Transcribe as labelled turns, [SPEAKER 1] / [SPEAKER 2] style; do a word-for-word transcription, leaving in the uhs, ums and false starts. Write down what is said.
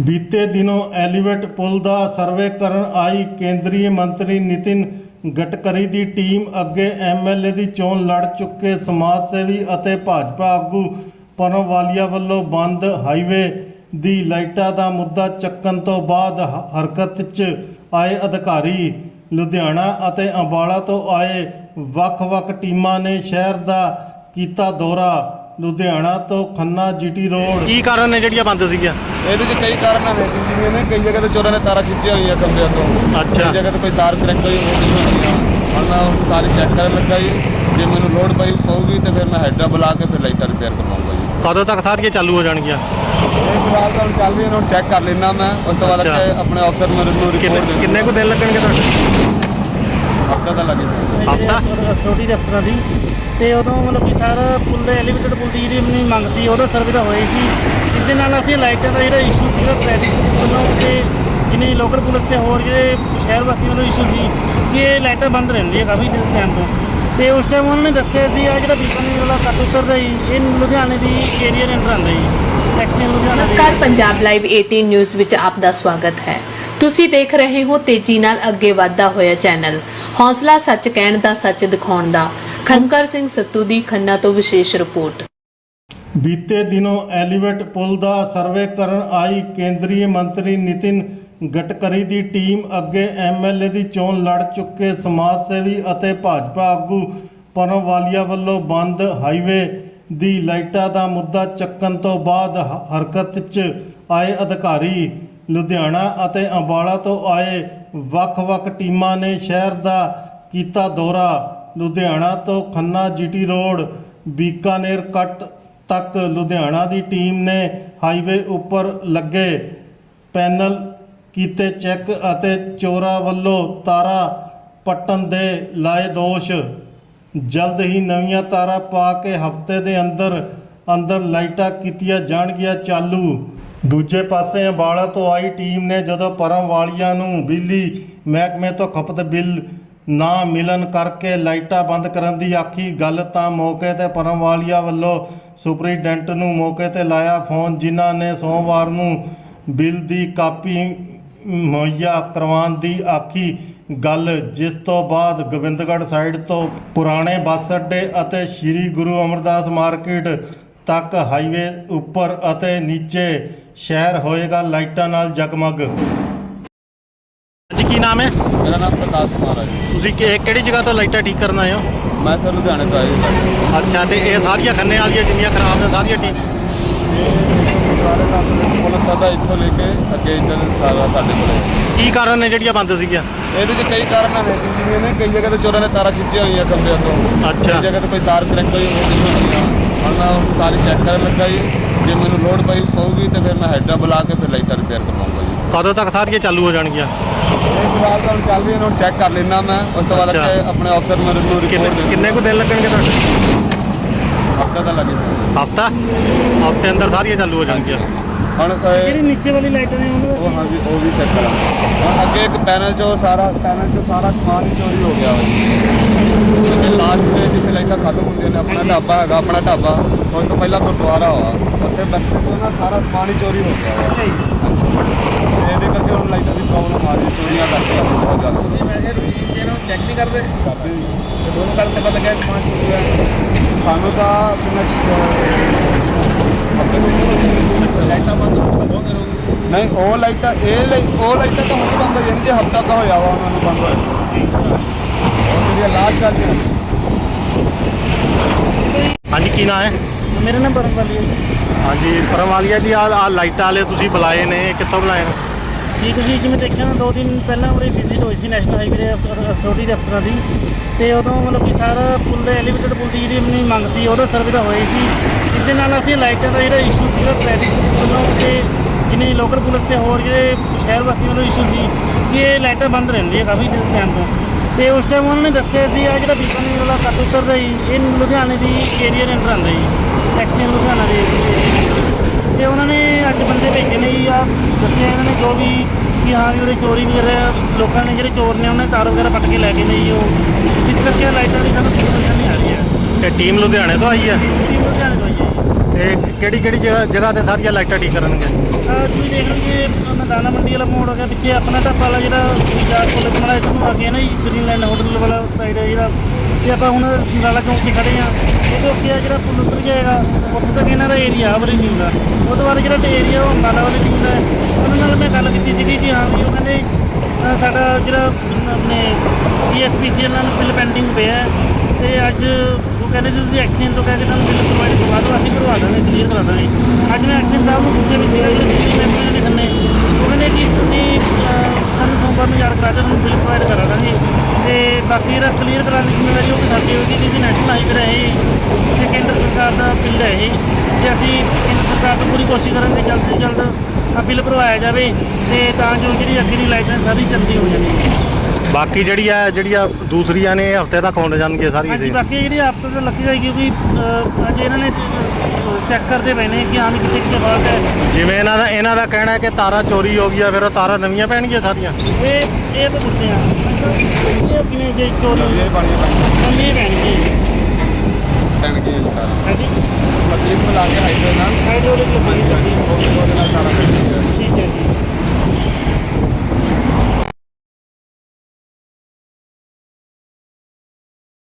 [SPEAKER 1] बीते दिनों एलिवेट पुल का सर्वे करन आई केंद्रीय मंत्री नितिन गडकरी की टीम अगे एम एल ए की चोन लड़ चुके समाज सेवी और भाजपा आगू परम वालिया वालों बंद हाईवे की लाइटा का मुद्दा चक्कन तो बाद हरकत च आए अधिकारी लुधियाना और अंबाला तो आए वख-वख टीमां ने शहर का कीता दौरा। लुधियाना तो खन्ना जीटी रोड
[SPEAKER 2] की कारण ने ਜਿਹੜੀਆਂ ਬੰਦ ਸੀਗੀਆਂ
[SPEAKER 3] ਇਹਦੇ ਚ ਕਈ ਕਾਰਨ ਨੇ ਜਿਵੇਂ ਨੇ ਕਈ ਜਗ੍ਹਾ ਤੇ ਚੋਰਾਂ ਨੇ ਤਾਰਾਂ ਖਿੱਚੀਆਂ ਹੋਈਆਂ ਕਮਰਿਆਂ ਤੋਂ।
[SPEAKER 2] ਅੱਛਾ।
[SPEAKER 3] ਕਈ ਜਗ੍ਹਾ ਤੇ ਕੋਈ ਤਾਰ ਕਰੈਕ ਹੋਈ ਹੋਈਆਂ ਹੁਣ ਮੈਂ ਉਹ ਸਾਰੀ ਚੈੱਕ ਕਰਨ ਲੱਗਾ ਜੀ। ਜੇ ਮੈਨੂੰ ਲੋਡ ਪਈ ਪਊਗੀ ਤੇ ਫਿਰ ਮੈਂ ਹੈਡਰਾ ਬੁਲਾ ਕੇ ਫਿਰ ਲਾਈਟਾਂ ਰਿਪੇਅਰ ਕਰਵਾਉਂਗਾ ਜੀ।
[SPEAKER 2] ਕਦੋਂ ਤੱਕ ਸਾਰੀਆਂ ਚਾਲੂ ਹੋ ਜਾਣਗੀਆਂ?
[SPEAKER 3] ਇਹ ਫਿਲਹਾਲ ਤਾਂ ਹੁਣ ਚੱਲ ਰਹੀ ਹੈ, ਹੁਣ ਚੈੱਕ ਕਰ ਲੈਣਾ ਮੈਂ। ਉਸ ਤੋਂ ਬਾਅਦ ਆਪਣੇ ਅਫਸਰ ਨੂੰ ਰਿਪੋਰਟ ਦੇ
[SPEAKER 2] ਕਿੰਨੇ ਕੁ ਦਿਨ ਲੱਗਣਗੇ ਤੁਹਾਡੇ?
[SPEAKER 3] ਹਫਤਾ ਤਾਂ ਲੱਗੇ ਸੀ।
[SPEAKER 2] ਹਫਤਾ
[SPEAKER 4] ਅਥਾਰਟੀ ਦੇ ਅਫਸਰਾਂ ਦੀ ਤੇ ਉਦੋਂ ਮਤਲਬ ਕਿ ਸਾਰਾ ਪੁੱਲ ਦੇ ਐਲੀਵੇਟਡ ਪੁੱਲ ਦੀ ਜਿਹੜੀ ਆਪਣੀ ਮੰਗ ਸੀ ਉਹਦਾ ਸਰਵੇ ਤਾਂ ਹੋਈ ਸੀ। ਇਸ ਦੇ ਨਾਲ ਅਸੀਂ ਲਾਈਟਾਂ ਦਾ ਜਿਹੜਾ ਇਸ਼ੂ ਸੀਗਾ ਟ੍ਰੈਫਿਕ ਵੱਲੋਂ ਤੇ ਜਿੰਨੀ ਲੋਕਲ ਪੁਲਿਸ ਤੇ ਹੋਰ ਜਿਹੜੇ ਸ਼ਹਿਰ ਵਾਸੀ ਵੱਲੋਂ ਇਸ਼ੂ ਸੀ ਕਿ ਇਹ ਲਾਈਟਾਂ ਬੰਦ ਰਹਿੰਦੀਆਂ ਕਾਫੀ ਟਾਈਮ ਤੋਂ। ਤੇ ਉਸ ਟਾਈਮ ਉਹਨਾਂ ਨੇ ਦੱਸਿਆ ਸੀ ਆ ਜਿਹੜਾ ਬੀਕਾਨੇਰ ਵਾਲਾ ਕੱਟ ਉਤਰਦਾ ਜੀ ਇਹ ਲੁਧਿਆਣੇ ਦੀ ਏਰੀਆ ਦੇ ਅੰਦਰ ਆਉਂਦਾ ਜੀ ਟੈਕਸੀ ਲੁਧਿਆਣਾ।
[SPEAKER 5] ਨਮਸਕਾਰ, ਪੰਜਾਬ ਲਾਈਵ ਅਠਾਰਾਂ ਨਿਊਜ਼ ਵਿੱਚ ਆਪ ਦਾ ਸਵਾਗਤ ਹੈ। ਤੁਸੀਂ ਦੇਖ ਰਹੇ ਹੋ ਤੇਜ਼ੀ ਨਾਲ ਅੱਗੇ ਵਧਦਾ ਹੋਇਆ ਚੈਨਲ, ਹੌਸਲਾ ਸੱਚ ਕਹਿਣ ਦਾ, ਸੱਚ ਦਿਖਾਉਣ ਦਾ। ਖੰਕਰ ਸਿੰਘ ਸੱਤੂ ਦੀ ਖੰਨਾ ਤੋਂ ਵਿਸ਼ੇਸ਼ ਰਿਪੋर्ट।
[SPEAKER 1] बीते दिनों एलिवेट पुल का सर्वे करन आई केंद्रीय मंत्री नितिन गडकरी की टीम अगे एम एल ए की चोन लड़ चुके समाज सेवी और भाजपा आगू परम वालिया वालों बंद हाईवे की लाइटा का मुद्दा चक्कन तो बाद हरकत च आए अधिकारी लुधियाना और अंबाला तो आए वख-वख टीमां ने शहर का कीता दौरा। लुधियाना तो Khanna GT road Bikaner cut तक लुधियाना की टीम ने हाईवे उपर लगे पैनल कीते चैक और चोरा वालों तारा पट्टन दे लाए दोष। जल्द ही नवीं तारा पा के हफ्ते के अंदर अंदर लाइटां कीतियां जाणगियां चालू। दूजे पासे अंबाला तो आई टीम ने जदों परम वालिया नूं बिजली महकमे तो खपत बिल ना मिलन करके लाइटां बंद करन दी आखी गल तां मौके ते परम वालिया वल्लों सुपरिटेंडेंट नूं मौके ते लाया फोन, जिन्हां ने सोमवार नूं बिल दी कापी मुहैया करवाउण दी आखी गल, जिस तो बाद गोबिंदगढ़ साइड तो पुराने बस अड्डे अते श्री गुरु अमरदास मार्केट तक हाईवे उपर अते नीचे शहर होएगा लाइटां नाल जगमग।
[SPEAKER 2] ਜੀ ਕੀ ਨਾਮ ਹੈ?
[SPEAKER 3] ਮੇਰਾ ਨਾਮ ਪ੍ਰਕਾਸ਼ ਕੁਮਾਰ ਹੈ ਜੀ।
[SPEAKER 2] ਤੁਸੀਂ ਕਿ- ਕਿਹੜੀ ਜਗ੍ਹਾ ਤੋਂ ਲਾਈਟਾਂ ਠੀਕ ਕਰਨ ਆਏ ਹੋ?
[SPEAKER 3] ਮੈਂ ਸਰ ਲੁਧਿਆਣੇ ਤੋਂ ਆਇਆ ਜੀ।
[SPEAKER 2] ਅੱਛਾ, ਤੇ ਇਹ ਸਾਰੀਆਂ ਖੰਨੇ ਵਾਲੀਆਂ ਜਿੰਨੀਆਂ ਖਰਾਬ ਨੇ ਸਾਰੀਆਂ ਠੀਕ?
[SPEAKER 3] ਸਾਰੇ ਕੰਮ ਪੁਲਿਸ ਦਾ ਇੱਥੋਂ ਲੈ ਕੇ ਅੱਗੇ ਇੱਧਰ ਸਾਰਾ ਸਾਡੇ ਕੋਲ ਹੈ।
[SPEAKER 2] ਕੀ ਕਾਰਨ ਨੇ ਜਿਹੜੀਆਂ ਬੰਦ ਸੀਗੀਆਂ?
[SPEAKER 3] ਇਹਦੇ ਚ ਕਈ ਕਾਰਨ ਨੇ ਜਿਵੇਂ ਨੇ ਕਈ ਜਗ੍ਹਾ ਤੇ ਚੋਰਾਂ ਨੇ ਤਾਰਾਂ ਖਿੱਚੀਆਂ ਹੋਈਆਂ ਕਮਰਿਆਂ ਤੋਂ।
[SPEAKER 2] ਅੱਛਾ।
[SPEAKER 3] ਕਈ ਜਗ੍ਹਾ ਤੇ ਕੋਈ ਤਾਰ ਕਰੈਕ ਹੋਈ ਹੋਈਆਂ ਹੁਣ ਮੈਂ ਉਹ ਸਾਰੀ ਚੈੱਕ ਕਰਨ ਲੱਗਾ ਜੀ। ਜੇ ਮੈਨੂੰ ਲੋਡ ਪਈ ਪਊਗੀ ਤੇ ਫਿਰ ਮੈਂ ਹੈਡਰਾ ਬੁਲਾ ਕੇ ਫਿਰ ਲਾਈਟਾਂ ਰਿਪੇਅਰ ਕਰਵਾਉਂਗਾ ਜੀ।
[SPEAKER 2] ਕਦੋਂ ਤੱਕ ਸਾਰੀਆਂ ਚਾਲੂ ਹੋ ਜਾਣਗੀਆਂ?
[SPEAKER 3] ਇਹ ਫਿਲਹਾਲ ਤਾਂ ਹੁਣ ਚੱਲ ਰਹੀ ਹੈ, ਹੁਣ ਚੈੱਕ ਕਰ ਲੈਣਾ ਮੈਂ। ਉਸ ਤੋਂ ਬਾਅਦ ਆਪਣੇ ਅਫਸਰ ਨੂੰ ਰਿਪੋਰਟ
[SPEAKER 2] ਕਿੰਨੇ ਕਿੰਨੇ ਕੁ ਦਿਨ ਲੱਗਣਗੇ ਤੁਹਾਡੇ?
[SPEAKER 3] ਹਫਤਾ ਤਾਂ ਲੱਗੇ ਸੀ।
[SPEAKER 2] ਹਫਤਾ ਹਫਤੇ ਅੰਦਰ ਸਾਰੀਆਂ ਚਾਲੂ ਹੋ ਜਾਣਗੀਆਂ।
[SPEAKER 3] ਹੁਣ
[SPEAKER 4] ਜਿਹੜੀ ਨੀਚੇ ਵਾਲੀ ਲਾਈਟਾਂ ਨੇ ਉਹਨਾਂ
[SPEAKER 3] ਉਹ ਹਾਂਜੀ ਉਹ ਵੀ ਚੈੱਕ ਕਰਾਂ। ਹੁਣ ਅੱਗੇ ਇੱਕ ਪੈਨਲ 'ਚੋਂ ਸਾਰਾ ਪੈਨਲ 'ਚੋਂ ਸਾਰਾ ਸਮਾਨ ਹੀ ਚੋਰੀ ਹੋ ਗਿਆ ਵਾ ਜੀ। ਲਾਸਟ 'ਚ ਜਿੱਥੇ ਲਾਈਟਾਂ ਖਤਮ ਹੁੰਦੀਆਂ ਨੇ, ਆਪਣਾ ਢਾਬਾ ਹੈਗਾ, ਆਪਣਾ ਢਾਬਾ ਉਸ ਤੋਂ ਪਹਿਲਾਂ ਗੁਰਦੁਆਰਾ ਵਾ, ਉੱਥੇ ਬਕਸੇ 'ਚੋਂ ਨਾ ਸਾਰਾ ਸਮਾਨ ਹੀ ਚੋਰੀ ਹੋ ਗਿਆ ਵਾ।
[SPEAKER 4] ਅੱਛਾ ਜੀ।
[SPEAKER 3] ਤੇ ਇਹਦੇ ਕਰਕੇ ਹੁਣ ਲਾਈਟਾਂ ਦੀ ਪ੍ਰੋਬਲਮ ਆ ਰਹੀ ਹੈ, ਚੋਰੀਆਂ ਕਰਕੇ ਬਹੁਤ ਜ਼ਿਆਦਾ
[SPEAKER 4] ਇਹਨਾਂ ਨੂੰ ਚੈੱਕ ਨਹੀਂ ਕਰਦੇ
[SPEAKER 3] ਕਰਦੇ ਜੀ।
[SPEAKER 4] ਤੇ ਦੋਨੋਂ ਗੱਲ ਤੇ ਪਤਾ ਲੱਗਿਆ ਸਮਾਨ ਚੋਰੀ ਹੋਇਆ।
[SPEAKER 3] ਸਾਨੂੰ ਤਾਂ
[SPEAKER 4] ਲਾਈਟਾਂ ਬੰਦ ਹੋਣ ਤੋਂ ਬਹੁਤ ਦੇਰ ਹੋ ਗਈ।
[SPEAKER 3] ਨਹੀਂ ਉਹ ਲਾਈਟਾਂ ਇਹ ਲਾਈ ਉਹ ਲਾਈਟਾਂ ਤਾਂ ਹੁਣ ਬੰਦ ਹੋ ਜਾਣੀ, ਜੇ ਹਫਤਾ ਤਾਂ ਹੋਇਆ ਵਾ ਉਹਨਾਂ ਨੂੰ ਬੰਦ ਹੋਇਆ। ਉਹ ਜਿਹੜੀ ਲਾਸਟ ਗੱਲ ਹੈ।
[SPEAKER 2] ਹਾਂਜੀ, ਕੀ ਨਾਮ ਹੈ?
[SPEAKER 4] ਮੇਰਾ ਨਾਮ ਪਰਮ ਵਾਲੀ ਹੈ ਜੀ।
[SPEAKER 2] ਹਾਂਜੀ, ਪਰਮ ਵਾਲੀਆ ਜੀ, ਆ ਆ ਲਾਈਟਾਂ ਵਾਲੇ ਤੁਸੀਂ ਬੁਲਾਏ ਨੇ, ਕਿੱਥੋਂ ਬੁਲਾਏ ਨੇ?
[SPEAKER 4] ਜੀ ਤੁਸੀਂ ਜਿਵੇਂ ਦੇਖਿਆ ਨਾ ਦੋ ਦਿਨ ਪਹਿਲਾਂ ਉਰੇ ਵਿਜ਼ਿਟ ਹੋਈ ਸੀ ਨੈਸ਼ਨਲ ਹਾਈਵੇ ਦੇ ਅਥਾਰਟੀ ਦੇ ਅਫਸਰਾਂ ਦੀ ਤੇ ਉਦੋਂ ਮਤਲਬ ਕਿ ਸਾਰਾ ਪੁੱਲ ਦੇ ਐਲੀਵੇਟਡ ਪੁੱਲ ਦੀ ਜਿਹੜੀ ਆਪਣੀ ਮੰਗ ਸੀ ਉਹਦਾ ਸਰਵੇ ਤਾਂ ਹੋਈ ਸੀ। ਇਸ ਦੇ ਨਾਲ ਅਸੀਂ ਲਾਈਟਾਂ ਦਾ ਜਿਹੜਾ ਇਸ਼ੂ ਸੀਗਾ ਟ੍ਰੈਫਿਕ ਵੱਲੋਂ ਤੇ ਜਿੰਨੀ ਲੋਕਲ ਪੁਲਿਸ ਤੇ ਹੋਰ ਜਿਹੜੇ ਸ਼ਹਿਰ ਵਾਸੀ ਵੱਲੋਂ ਇਸ਼ੂ ਸੀ ਕਿ ਇਹ ਲਾਈਟਾਂ ਬੰਦ ਰਹਿੰਦੀਆਂ ਕਾਫੀ ਟਾਈਮ ਤੋਂ। ਤੇ ਉਸ ਟਾਈਮ ਉਹਨਾਂ ਨੇ ਦੱਸਿਆ ਸੀ ਆ ਜਿਹੜਾ ਬੀਕਾਨੇਰ ਵਾਲਾ ਕੱਟ ਉਤਰਦਾ ਜੀ ਇਹ ਲੁਧਿਆਣੇ ਦੀ ਏਰੀਆ ਦੇ ਅੰਦਰ ਆਉਂਦਾ ਜੀ ਟੈਕਸੀ ਲੁਧਿਆਣਾ ਦੇ। ਤੇ ਉਹਨਾਂ ਨੇ ਅੱਜ ਬੰਦੇ ਭੇਜੇ ਨੇ ਜੀ, ਆ ਦੱਸਿਆ ਇਹਨਾਂ ਨੇ ਜੋ ਵੀ ਕਿ ਹਾਂ ਵੀ ਉਹਦੇ ਚੋਰੀ ਵਗੈਰਾ ਲੋਕਾਂ ਨੇ ਜਿਹੜੇ ਚੋਰ ਨੇ ਉਹਨੇ ਤਾਰ ਵਗੈਰਾ ਪੱਟ ਕੇ ਲੈ ਗਏ ਨੇ ਜੀ। ਉਹ ਇਸ ਕਰਕੇ ਲਾਈਟਾਂ ਦੀ ਸਾਨੂੰ ਕੋਈ ਪਰੇਸ਼ਾਨੀ ਆ ਰਹੀ ਹੈ।
[SPEAKER 2] ਤੇ ਟੀਮ ਲੁਧਿਆਣੇ ਤੋਂ ਆਈ ਹੈ?
[SPEAKER 4] ਟੀਮ ਲੁਧਿਆਣੇ ਤੋਂ ਆਈ ਹੈ ਜੀ।
[SPEAKER 2] ਤੇ ਕਿਹੜੀ ਕਿਹੜੀ ਜਗ੍ਹਾ ਜਗ੍ਹਾ ਤੇ ਸਾਰੀਆਂ ਲਾਈਟਾਂ ਠੀਕ ਕਰਨਗੇ?
[SPEAKER 4] ਆਹ ਤੁਸੀਂ ਦੇਖ ਲਓ ਜੀ ਆਪਣਾ ਦਾਣਾ ਮੰਡੀ ਵਾਲਾ ਮੋੜ ਹੋ ਗਿਆ, ਪਿੱਛੇ ਆਪਣਾ ਢਾਬਾ ਵਾਲਾ ਜਿਹੜਾ ਬਾਜ਼ਾਰ ਕੋਲ ਵਾਲਾ ਇੱਧਰ ਨੂੰ ਆ ਗਿਆ ਨਾ ਜੀ, ਗ੍ਰੀਨਲੈਂਡ ਹੋਟਲ ਵਾਲਾ ਸਾਈਡ ਹੈ ਜਿਹੜਾ, ਤੇ ਆਪਾਂ ਹੁਣ ਸਮਰਾਲਾ ਚੌਂਕ 'ਤੇ ਖੜੇ ਹਾਂ। ਇਹਦੇ ਉੱਤੇ ਆ ਜਿਹੜਾ ਪੁਲ ਉੱਤਰ ਜਾਏਗਾ ਉੱਥੇ ਤੱਕ ਇਹਨਾਂ ਦਾ ਏਰੀਆ ਵਾਲੀ ਨਹੀਂ ਹੁੰਦਾ। ਉਹ ਤੋਂ ਬਾਅਦ ਜਿਹੜਾ ਏਰੀਆ ਉਹ ਅੰਬਾਲਾ ਵਾਲੀ ਨਹੀਂ ਹੁੰਦਾ। ਉਹਨਾਂ ਨਾਲ ਮੈਂ ਗੱਲ ਕੀਤੀ ਸੀਗੀ ਕਿ ਹਾਂ ਵੀ ਉਹ ਕਹਿੰਦੇ ਅ, ਸਾਡਾ ਜਿਹੜਾ ਆਪਣੇ ਪੀ ਐਸ ਪੀ ਸੀ ਨਾਲ ਬਿੱਲ ਪੈਂਡਿੰਗ ਪਿਆ ਹੈ, ਤੇ ਅੱਜ ਉਹ ਕਹਿੰਦੇ ਸੀ ਤੁਸੀਂ ਐਕਸੀਡੈਂਟ ਤੋਂ ਕਹਿ ਕੇ ਸਾਨੂੰ ਬਿੱਲ ਪ੍ਰੋਵਾਈਡ ਕਰਵਾ ਦਿਓ, ਅਸੀਂ ਭਰਵਾ ਦਾਂਗੇ, ਕਲੀਅਰ ਕਰਾ ਦਾਂਗੇ। ਅੱਜ ਮੈਂ ਐਕਸੀਡੈਂਟ ਸਾਹਿਬ ਨੂੰ ਪੁੱਛਿਆ ਵੀ ਸੀਗਾ ਜਿਹੜੇ ਸੀ ਮੈਂਬਰਾਂ ਨੇ ਥੱਲੇ, ਉਹ ਕਹਿੰਦੇ ਕਿ ਤੁਸੀਂ ਅ, ਸਾਨੂੰ ਸੋਮਵਾਰ ਨੂੰ ਯਾਦ ਕਰਾ ਦਿਓ, ਤੁਹਾਨੂੰ ਬਿੱਲ ਪ੍ਰੋਵਾਈਡ ਕਰਾ ਦਾਂਗੇ। ਤੇ ਬਾਕੀ ਜਿਹੜਾ ਕਲੀਅਰ ਕਰਾਉਣ ਦੀ ਜ਼ਿੰਮੇਵਾਰੀ ਉਹ ਵੀ ਸਾਡੀ ਹੋਏਗੀ, ਕਿਉਂਕਿ ਨੈਸ਼ਨਲ ਹਾਈਵੇ ਹੈ ਇਹ, ਤੇ ਕੇਂਦਰ ਸਰਕਾਰ ਦਾ ਬਿੱਲ ਹੈ ਇਹ, ਤੇ ਅਸੀਂ ਕੇਂਦਰ ਸਰਕਾਰ ਤੋਂ ਪੂਰੀ ਕੋਸ਼ਿਸ਼ ਕਰਾਂਗੇ ਜਲਦ ਤੋਂ ਜਲਦ ਆ ਬਿੱਲ ਭਰਵਾਇਆ ਜਾਵੇ, ਤੇ ਤਾਂ ਜੋ ਜਿਹੜੀ ਅੱਗੇ ਦੀ ਲਾਈਸੈਂਸ ਸਾਰੀ ਜਲਦੀ ਹੋ ਜਾਵੇ।
[SPEAKER 2] ਬਾਕੀ ਜਿਹੜੀ ਆ ਜਿਹੜੀਆਂ ਦੂਸਰੀਆਂ ਨੇ ਹਫਤੇ ਤੱਕ ਹੋਣ ਜਾਣਗੀਆਂ ਸਾਰੀਆਂ
[SPEAKER 4] ਹਾਂਜੀ,
[SPEAKER 2] ਸੀ।
[SPEAKER 4] ਬਾਕੀ ਜਿਹੜੀ ਹਫ਼ਤੇ ਤੋਂ ਲੱਗੀ ਜਾਏਗੀ, ਕਿਉਂਕਿ ਅ, ਅੱਜ ਇਹਨਾਂ ਨੇ ਚੈੱਕ ਕਰਦੇ ਪਏ ਨੇ ਕਿ ਹਾਂ ਵੀ ਕਿਤੇ ਕਿਤੇ ਫਾਲਟ ਹੈ।
[SPEAKER 2] ਜਿਵੇਂ ਇਹਨਾਂ ਦਾ ਇਹਨਾਂ ਦਾ ਕਹਿਣਾ ਹੈ ਕਿ ਤਾਰਾਂ ਚੋਰੀ ਹੋ ਗਈਆਂ, ਫਿਰ ਉਹ ਤਾਰਾਂ ਨਵੀਆਂ ਪੈਣਗੀਆਂ ਸਾਰੀਆਂ।
[SPEAKER 4] ਇਹ ਇਹ ਤਾਂ ਪੁੱਛਦੇ ਆ ਇਹ ਕਿਵੇਂ ਜੇ ਚੋਰੀ ਹੋਈ
[SPEAKER 3] ਇਹ ਪਾਣੀ
[SPEAKER 4] ਨਵੀਂ ਪੈਣਗੀ।
[SPEAKER 3] ਪੈਣਗੇ ਜੀ ਤਾਰਾਂ।
[SPEAKER 4] ਹਾਂਜੀ,
[SPEAKER 3] ਅਸੀਂ ਮਿਲਾ ਕੇ ਹਾਈਵੇ ਨਾਲ
[SPEAKER 4] ਹਾਈਡ੍ਰੋਲਿਕ ਲੱਗੀ ਹੋਈ ਹੈ।
[SPEAKER 3] ਉਹਦੇ ਨਾਲ ਤਾਰਾਂ ਪੈਣਗੀਆਂ।